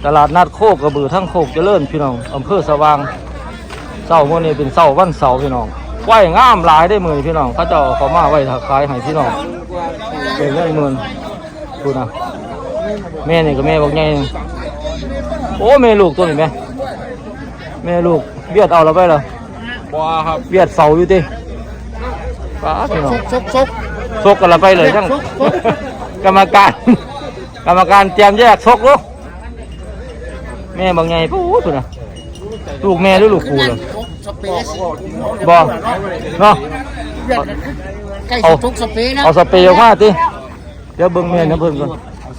ตลาดนัดโคกกระบือทั้งโคกเจริญพี่น้องอำเภอสว่างเสาร์มื้อนี้เป็นเสาร์วันเสาร์พี่น้องไว้งามหลายได้มือพี่น้องเขาจะเอามาไว้ขายให้พี่น้องเป็นเงินหมื่นดูนะแม่นี่ก็แม่บอกไงโอ้แม่ลูกตัวนี้แม่ลูกเบียดเอาเราไปเหรอบ่ครับเบียดเสาอยู่ดิป้าพี่น้องซกกันเราไปเลยทั้งกรรมการเตรียมแยกซกลูกแม่บอกไงปู๊ดนะลูกแม่หรือลูกปูเลยบ่เนาะเอาสเปรย์ออกมาติเดี๋ยวเบิ่งแม่นะเพิ่นก่อน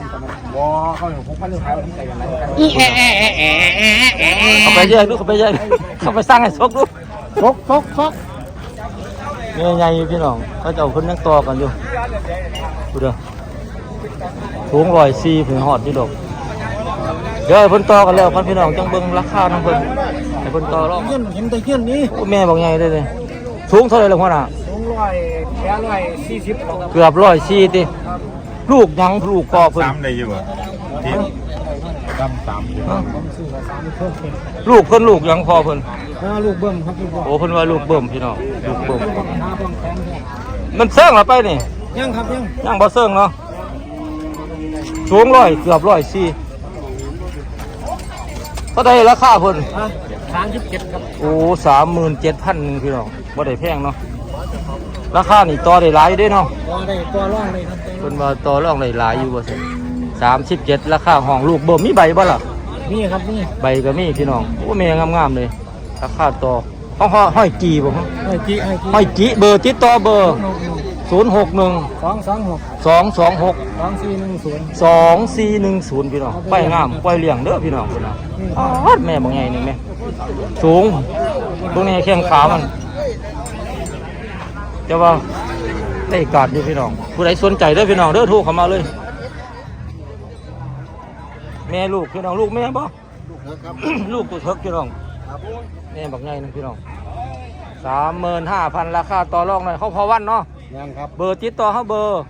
เขาไปแยกลูกเขาไปแยกเขาไปสร้างให้ซกลูกซกแม่ใหญ่พี่น้องเขาจะเอาเพิ่นยังต่อกันอยู่ดูเด้อสูง104ถึงฮอดพี่ดอกเดี๋ยวเพิ่นต่อกันแล้วพันพี่น้องจังเบิ่งราคาของเพิ่นให้เพิ่นต่อรอบเห็นแต่เงี้ยนี่แม่บอกไงได้เลยสูงเท่าไหร่ล่ะพ่อน่ะสูง140เกือบ140ติลูกยังลูกพ่อเพิ่น3ได้อยู่บ่ที่ดำ3ลูกเพิ่นลูกยังพ่อเพิ่นลูกเบิ่มครับโอ้เพิ่นว่าลูกเบิ่มพี่น้องลูกเบิ่มมันเซิงล่ะไปนี่ยังครับยังบ่เซิงเนาะสูงเกือบ104ก็ได้ราคาเพิ่น37ครับโอ้37,000พี่น้องบ่ได้แพงเนาะราคานี่ต่อได้หลายอยู่เด้เนาะได้ต่อรองเลยครับเพิ่นว่าต่อรองได้หลายอยู่บ่ซั่น37ราคาห้องลูกเบิ่มมีใบบ่ล่ะมีครับมีใบก็มีพี่น้องโอ้แม่งามๆเลยราคาต่อห้อยจีบ่ห้อยจีเบอร์ติดต่อเบอร์061 226 2410พี่น้องไปงามไปเลี้ยงเด้อพี่น้องพุ่นน่ะแม่บ่ใหญ่นี่แม่สูงตรงนี้แข้งขามันแต่ว่าได้กาดอยู่พี่น้องผู้ใดสนใจเด้อพี่น้องเด้อโทรเข้ามาเลยแม่ลูกพี่น้องลูกแม่บ่ลูกตัวเถิกพี่น้องแม่บักใหญ่นึงพี่น้อง35,000ราคาต่อรองหน่อยเขาพอวันเนาะยังครับเบอร์ติดต่อเขาเบอร์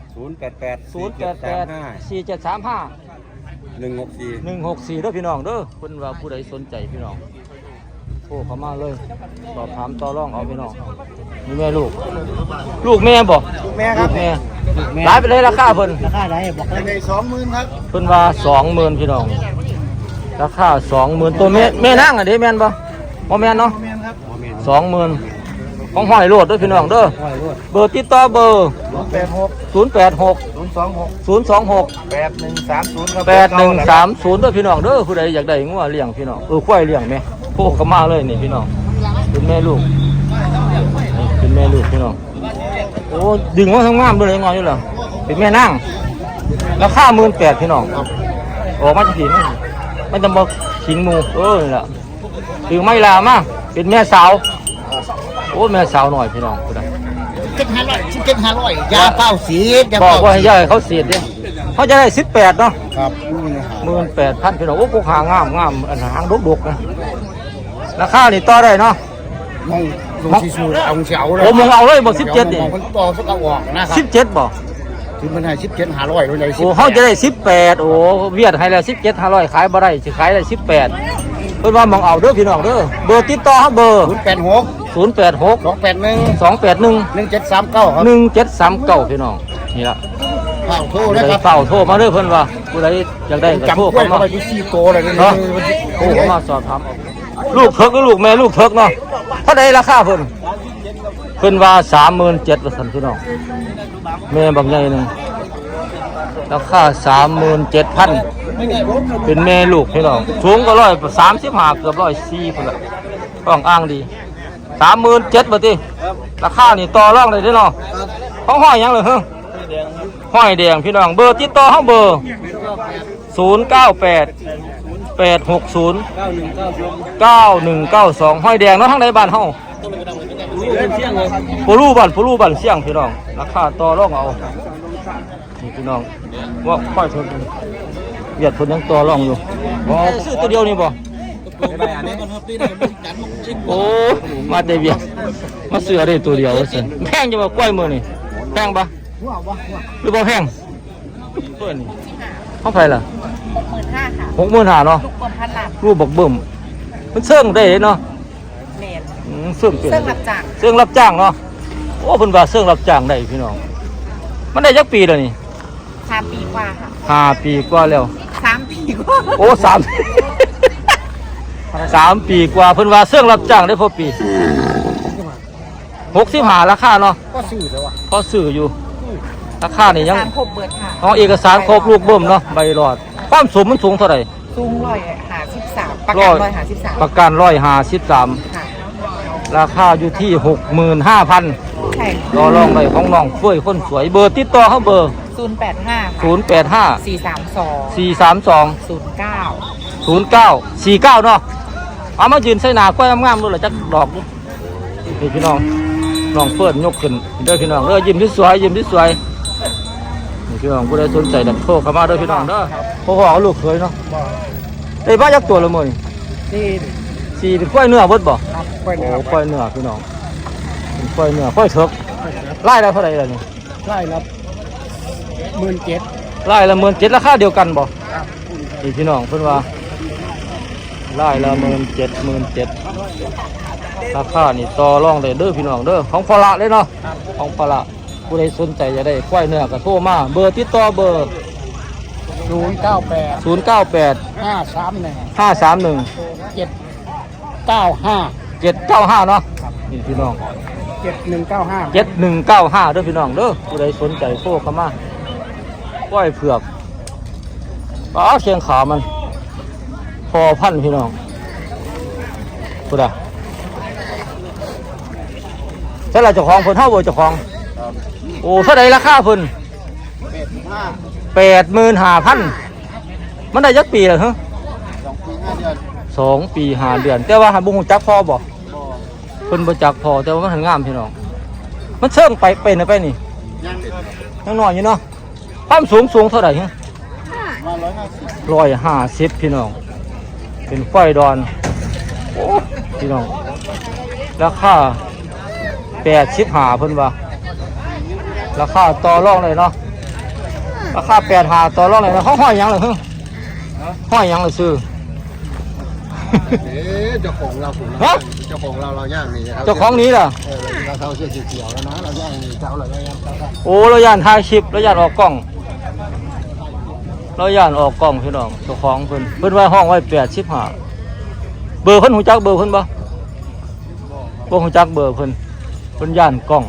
088 435 164เด้อพี่น้องเด้อเพิ่นว่าผู้ใดสนใจพี่น้องโทรเข้ามาเลยสอบถามต่อรองเอาพี่น้องนี่แม่ลูกแม่บ่แม่ครับแม่หลายไปเลยราคาเพิ่นราคาไหนบอกได้20,000ครับเพิ่นว่า20,000พี่น้องราคา20,000ตัวแม่นางอ่ะเด้แม่นบ่บ่แม่นเนาะ20,000ของห้อยโลดด้วยพี่น้องเด้อเบอร์ติดต่อเบอร์086 026 8130ด้วยพี่น้องเด้อผู้ใดอยากได้งัวเลี้ยงพี่น้องควายเลี้ยงแม่โคกเข้ามาเลยนี่พี่น้องเป็นแม่ลูกพี่น้องโอ้ดึงว่าทั้งงามเลยงอยอยู่เหรอเป็นแม่นั่งราคา18,000พี่น้องออกมาจะถีมันจะบอกขิงมูนี่แหละถือไม่ลามาเป็นแม่สาวโอ้แม่สาวหน่อยพี่น้องผู้ใด 7,500ยาเป้าสีบอกว่าให้ย่าเขาเสียดเนี่ยเขาจะได้18เนาะครับ18,000พี่น้องโอ้กูหางามอันหางดกๆนะราคานี่ต่อได้เนาะมองสูเอาเสียวเลยโอ้มองเอาเลยบอก17นี่มันต่อสักเอาออกนะครับ 17บ่ถึงมันให้17,500เลยโอ้เขาจะได้18โอ้เวียดให้แล้ว17,500ขายบ่ได้สิขายได้18เพิ่นว่ามองเอาเด้อพี่น้องเด้อเบอร์ติดต่อเฮาเบอร์086 281 1739ครับ 1739พี่น้องนี่ล่ะเฝ้าโทรนะครับเฝ้าโทรมาเด้อเพิ่นว่าผู้ใดอยากได้ก็โทรเข้ามาไปที่4โตเลยเนาะโทรเข้ามาสอบถามลูกเถิกหรือลูกแม่ลูกเถิกเนาะเท่าใดราคาเพิ่นว่า37,000ว่าซั่นพี่น้องแม่บักใหญ่นึงราคา37,000เป็นแม่ลูกพี่น้องสูงก็135เกือบ104พุ่นล่ะต้องอ้างดี37,000บ่ติราคานี่ต่อรองได้เด้อเนาะของห้อยหยังเลยห้อยแดงพี่น้องเบอร์ติดต่อเฮาเบอร์098 860 9192ห้อยแดงเนาะทางใดบ้านเฮาปูรูบ้านเสี่ยงพี่น้องราคาต่อรองเอานี่พี่น้องว่าค่อยเพิ่นเวียดเพิ่นยังต่อรองอยู่บ่ซื้อตัวเดียวนี่บ่โอ้มาแต่เวียดมาซื้อได้ตัวเดียวว่าซั่นแพงจังบ่กล้วยมื้อนี่แพงบ่หรือบ่แพงตัวนี้เท่าไหร่ล่ะ 65,000ค่ะ 65,000เนาะลูกเปิ่มพันหลังรูปบักเบิ่มมันเสื่องได้เนาะเมนเสื่องเป็นเสื้อรับจ้างเสื่องรับจ้างเนาะโอ้เพิ่นว่าเสื่องรับจ้างได้พี่น้องมันได้จักปีแล้วนี่ 3 ปีกว่าค่ะ 5 ปีกว่าแล้ว 3 ปีกว่าโอ้3 ปีกว่าเพิ่นว่าเสื่องรับจ้างได้พอปี65ราคาเนาะก็ซื้อแล้วอ่ะพอซื้ออยู่ราคานี่ยังสารครบเบิดค่ะเอาเอกสารครบลูกเบิ่มเนาะใบหลอดความสูงมันสูงเท่าไหร่สูง153ประกัน153 ประกัน153 ค่ะราคาอยู่ที่ 65,000 ใช่รอลองเลยของน้องเฟ้ยคนสวยเบอร์ติดต่อเขาเบอร์ 085ค่ะ 085 432 432 09 0949เนาะเอามายืนใส่หน้ากล้วยงามๆดูล่ะจักดอกดูนี่พี่น้องน้องเฟิร์นยกขึ้นเด้อพี่น้องเด้อยิ้มที่สวยยิ้มที่สวยนี่พี่น้องผู้ใดสนใจดักโทรเข้ามาเด้อพี่น้องเด้อพ่อเอาลูกเคยเนาะได้บ้ายักตัวละมื้อนี่ที่สี่เป็นกล้วยเนื้อเบิดบ่ครับไปโอ้แล้วกล้วยเนื้อพี่น้องเป็นกล้วยเนื้อกล้วยเถิกไล่ได้เท่าไหร่ล่ะนี่ไล่รับ17,000 ไล่ละ17,000ราคาเดียวกันบ่นี่พี่น้องเพิ่นว่าไล่ละ17,000ราคานี่ต่อรองได้เด้อพี่น้องเด้อของพละเลยเนาะของพละผู้ใดสนใจจะได้กล้วยเนื้อก็โทรมาเบอร์ติดต่อเบอร์ 098 098 531 531 795 795เนาะนี่พี่น้อง 7195 7195เด้อพี่น้องเด้อผู้ใดสนใจโทรเข้ามากล้วยเผือกอ๋อเชียงขามันพอพันพี่น้องพูดอ่ะใช่ละเจ้าของเพิ่นเท่าบ่เจ้าของโอ้เท่าไรราคาเพิ่น 85,000มันได้ยักปีแล้วฮะ 2 ปี5 เดือน 2 ปี 5 เดือน แต่ว่าหันบุ้งจักพอบ่เพิ่นบ่จักพอแต่ว่ามันหันงามพี่น้องมันเชิงไปเป็นไปนี่ยังยังน้อยอยู่เนาะความสูงเท่าไหร่ฮะมา150 150พี่น้องเป็นไฟดอนโอ้พี่น้องราคา85เพิ่นว่าราคาต่อรองเลยเนาะราคา85ต่อรองเลยเนาะเขาห้อยหยังเลยฮะห้อยหยังเลยซื้อเจ้าของเราผมฮะเจ้าของเราย่างนี่ครับเจ้าของนี้ล่ะเราเท้าเสื้อเขียวแล้วนะเราย่างนี่เท้าเราย่างเท้าโอ้เราย่านถ่ายคลิปเราย่านออกกล้องเราย่านออกกล้องพี่น้องเจ้าของเพิ่นไว้ห้องไว้85เบอร์เพิ่นหูจักเบอร์เพิ่นบ่หูจักเบอร์เพิ่นย่านกล้อง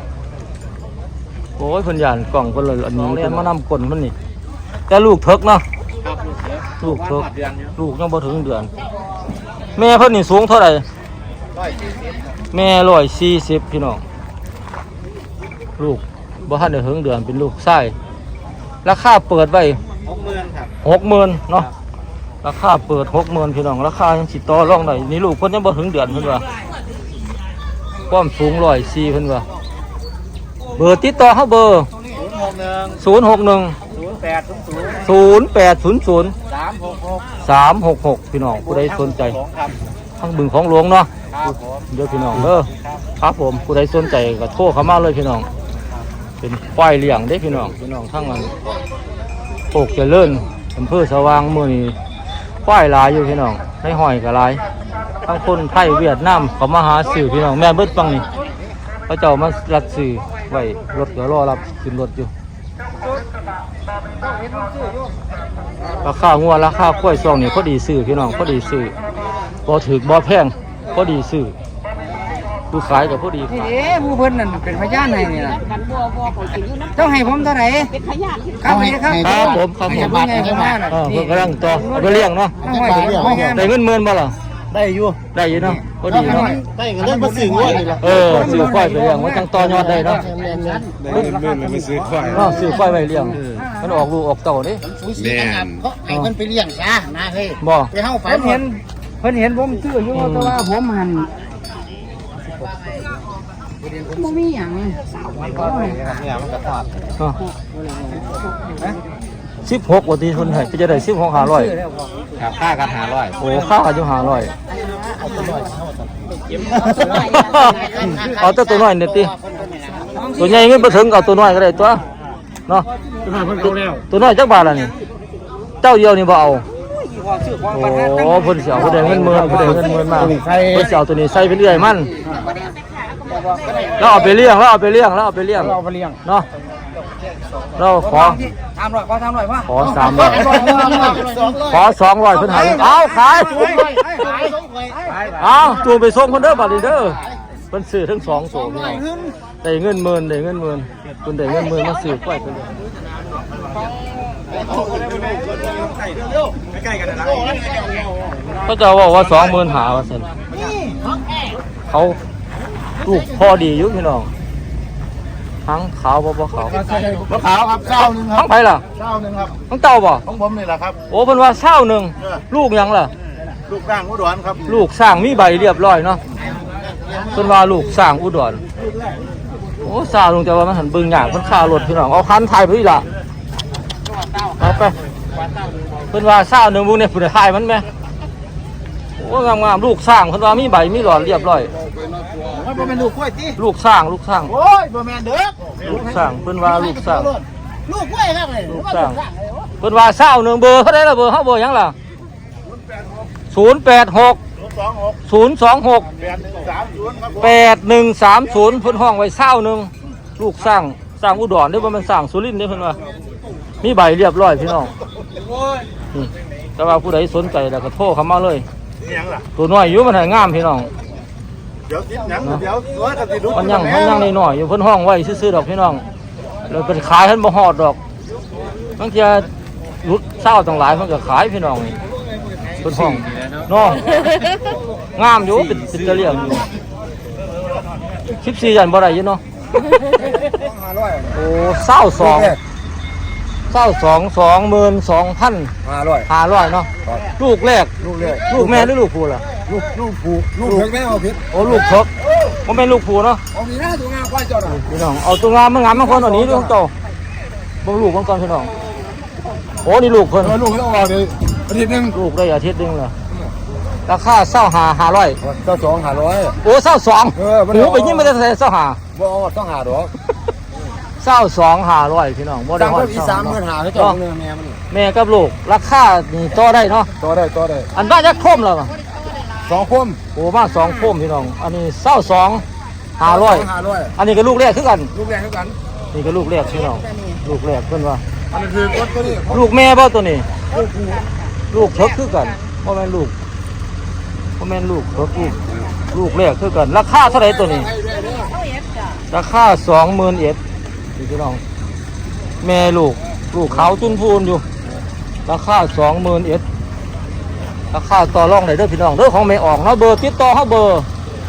โอ้ยเพิ่นย่านกล้องเพิ่นเลยอันนี้เพิ่นมานำกลนมันนี่แต่ลูกเถิกเนาะลูกเถิกลูกยังบ่ถึงเดือนแม่เพิ่นนี่สูงเท่าไหร่แม่140พี่น้องลูกบ่ทันได้ถึงเดือนเป็นลูกชายราคาเปิดไว้ 60,000 ครับ 60,000เนาะราคาเปิด 60,000พี่น้องราคายังสิต่อรองได้นี่ลูกเพิ่นยังบ่ถึงเดือนเพิ่นว่าความสูง104เพิ่นว่าเบอร์ติดต่อเฮาเบอร์061 0800 366พี่น้องผู้ใดสนใจทั้งบึงของหลวงเนาะเดี๋ยวพี่น้องครับผมผู้ใดสนใจก็โทรเข้ามาเลยพี่น้องเป็นควายเลี้ยงเด้พี่น้องทั้งนั้นโคกเจริญอำเภอสว่างมื้อนี้ควายหลายอยู่พี่น้องให้ห้อยก็หลายทั้งคนไทยเวียดนามเขามาหาซื้อพี่น้องแม่เบิดฟังนี่เขาเจ้ามารับซื้อไว้รถก็รอรับขึ้นรถอยู่ราคางัวราคากล้วยซองนี่พอดีซื้อพี่น้องพอดีซื้อบ่ถึกบ่แพงพอดีซื้อผู้ขายกับพอดีขายผู้เพิ่นนั่นเป็นพยานให้นี่ล่ะเจ้าให้ผมเท่าไหร่เป็นพยานครับครับครับผมครับผมเพิ่นให้ผมมาน่ะเพิ่นกำลังต่อเอาไปเลี้ยงเนาะเอาไว้เอาไว้ได้เงินหมื่นบ่ล่ะได้อยู่ได้อยู่เนาะพอดีเนาะได้กันเล่นมาสื่อว่านี่ละซื้อควายไปเลี้ยงมันจังต่อยอดได้เนาะได้เงินเลยไปซื้อควายซื้อควายไปเลี้ยงมันออกลูกออกเต้าเด้สูสีกันเขาให้เพิ่นไปเลี้ยงซะนะเฮ้ยบ่ไปเฮาฝันเพิ่นเห็นผมซื้ออยู่แต่ว่าผมหันบ่มีหยัง 16ว่าที่เพิ่นให้ก็จะได้16 500 ครับค่ากัน500 โอ้ค่าอยู่500เอาแต่ตัวน้อยนี่ติตัวใหญ่เงินบ่ถึงเอาตัวน้อยก็ได้ตัวเนาะตัวน้อยจักบาทล่ะนี่เจ้าเดียวนี่บ่เอาว่าชื่อของโอ้ประธานตั้งเพิ่นสิเอาผู้ใดเงินหมื่นผู้ใดเงินหมื่นมาเพิ่นสิเอาตัวนี้ใส่เป็นเอื้อยมันแล้วเอาไปเลี้ยงแล้วเอาไปเลี้ยงแล้วเอาไปเลี้ยงเราไปเลี้ยงเนาะเราขอทำหน่อยขอทำหน่อยว่าขอ300ขอ200เพิ่นให้เอาขายเอาจูงไปส่งคนเด้อบัดนี้เด้อเพิ่นซื้อทั้ง2ตัวพี่น้องได้เงินหมื่นได้เงินหมื่นเพิ่นได้เงินหมื่นมาซื้อควายไปเลยเขาจะบอกว่า20,000หาว่าซั่นเขาลูกพอดีอยู่พี่น้องทั้งขาวบ่ขาวมะขาวครับเจ้าหนึ่งครัทั้บงไผล่ะเจ้าหนึ่งครับทั้งเต้าบ่ของผมนี่แหละครับโอ้เพิ่นว่า1ลูกหยังล่ะลูกร่างอุดรครับลูกสร้างมีใบเรียบร้อยเนาะเพิ่นว่าลูกสร้างอุดรโอ้ซาลงแต่ว่ามันหันเบิ่งยากเพิ่นค่ารถพี่น้องเอาคันถ่ายไปอีล่ะเอาไปเพิ่นว่า1บุเนี่ยผู้ใดถ่ายมันแม่โอ้งามๆลูกสร้างเพิ่นว่ามีใบมีหลอดเรียบร้อยว่าบ่แม่นลูกกล้วยติลูกสร้างลูกสร้างโอ้ยบ่แม่นเด้อลูกสร้างเพิ่นว่าลูกสร้างลูกกล้วยครับเลยลูกสร้างเพิ่นว่า1เบอร์เท่าใดล่ะเบอร์เฮาเบอร์หยังล่ะ086 026 8130เพิ่นห้องไว้1ลูกสร้างอุดรเด้อบ่แม่นสร้างสุรินทร์เด้อเพิ่นว่ามีใบเรียบร้อยพี่น้องนี่แต่ว่าผู้ใดสนใจแล้วก็โทรเข้ามาเลยนี่หยังล่ะตัวน้อยอยู่มันให้งามพี่น้องเดี๋ยวติดหยังเดี๋ยวสวยก็สิรู้มันยังน้อยๆอยู่เพิ่นห้องไว้ซื่อๆดอกพี่น้องแล้วเป็นขายเพิ่นบ่ฮอดดอกบางเทีรุดเศร้าต่างหลายเพิ่นก็ขายพี่น้องนี่เพิ่นห้องเนาะงามอยู่เป็นตะเลียงอยู่14ยันบ่ได้อยู่เนาะโอ้22,500เนาะลูกแรกลูกแม่หรือลูกผู้ล่ะลูกผูลูกเถิกแม่เอาผิดโอ้ลูกเถิกบ่แม่นลูกผู้เนาะเอามีหน้าตัวงามควายเจ้าน่ะพี่น้องเอาตัวงามมางามบางคนเอานี้ด้วยของโตบ่ลูกบางก่อนพี่น้องโอ้นี่ลูกเพิ่นลูกต้องเอาเลยอาทิตย์นึงลูกได้อาทิตย์นึงล่ะราคา25,500 เจ้า2,500 โอ้22หูไปยิ้มมาแต่25 บ่เอาต้องหาดอก 22,500พี่น้องบ่ได้ตั้งฮอแต่ดอี30,000หาให้เจ้าเนื้อแม่มันแม่กับลูกราคานี่ต่อได้เนาะต่อได้อันบ้านจักโคมแล้ว 2คมโอ้มา2โคมพี่น้องอันนี้22,500อันนี้ก็ลูกแรกคือกันลูกแรงเท่ากันนี่ก็ลูกแรกพี่น้องลูกแรกเพิ่นว่าอันนี้คือกดตัวนี้ลูกแม่บ่ตัวนี้ลูกเถิกคือกันบ่แม่นลูกบ่แม่นลูกเถิกลูกแรกคือกันราคาเท่าไหร่ตัวนี้ราคา20,000นี่พี่น้องแม่ลูกขาวจุนพูนอยู่ราคา20,000ราคาต่อรองได้เด้อพี่น้องเด้อของแม่ออกเนาะเบอร์ติดต่อเฮาเบอร์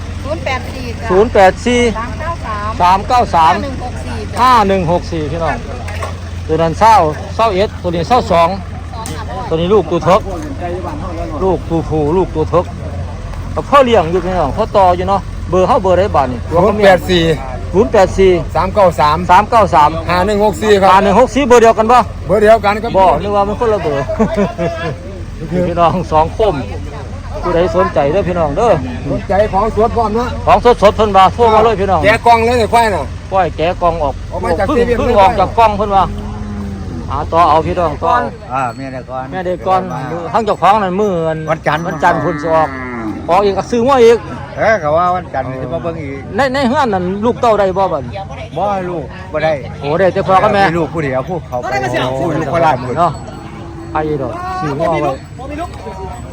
084 084 393 5164 พี่น้องตัวนั้น21ตัวนี้22ตัวนี้ลูกตัวเถิกลูกตัวผู้ลูกตัวเถิกก็พ่อเลี้ยงอยู่พี่น้องพ่อต่ออยู่เนาะเบอร์เฮาเบอร์ได้บาดนี่084 393 393 5164ครับ 164เบอร์เดียวกันบ่เบอร์เดียวกันครับบ่นึกว่ามันคนละเบอร์ พี่น้อง2คมผู้ใดสนใจเด้อพี่น้องเด้อสนใจของสวนพร้อมเนาะของสดๆเพิ่นว่าโทรมาเลยพี่น้องแกะกล่องเลยไอ้ควายน่ะปล่อยแกะกล่องออกออกมาจากเพิ่งเซเว่นเพิ่งออกจากกล่องเพิ่นว่าต่อเอาพี่น้องต่อแม่ได้ก่อนแม่เด็กก่อนทั้งเจ้าของนั่นมื้อวันจันทร์พุ่นสิออกอีกก็ซื้อมาอีกเขาว่าวันจันทร์จะมาเบิ่งอีกในเฮือนนั่นลูกเต้าได้บ่บัดบ่ลูกบ่ได้โอ้ได้แต่พ่อกับแม่ลูกผู้เดียวผู้เขาไปลูกโคราชหมดเนาะไอ้ดอกซื้อมาไว้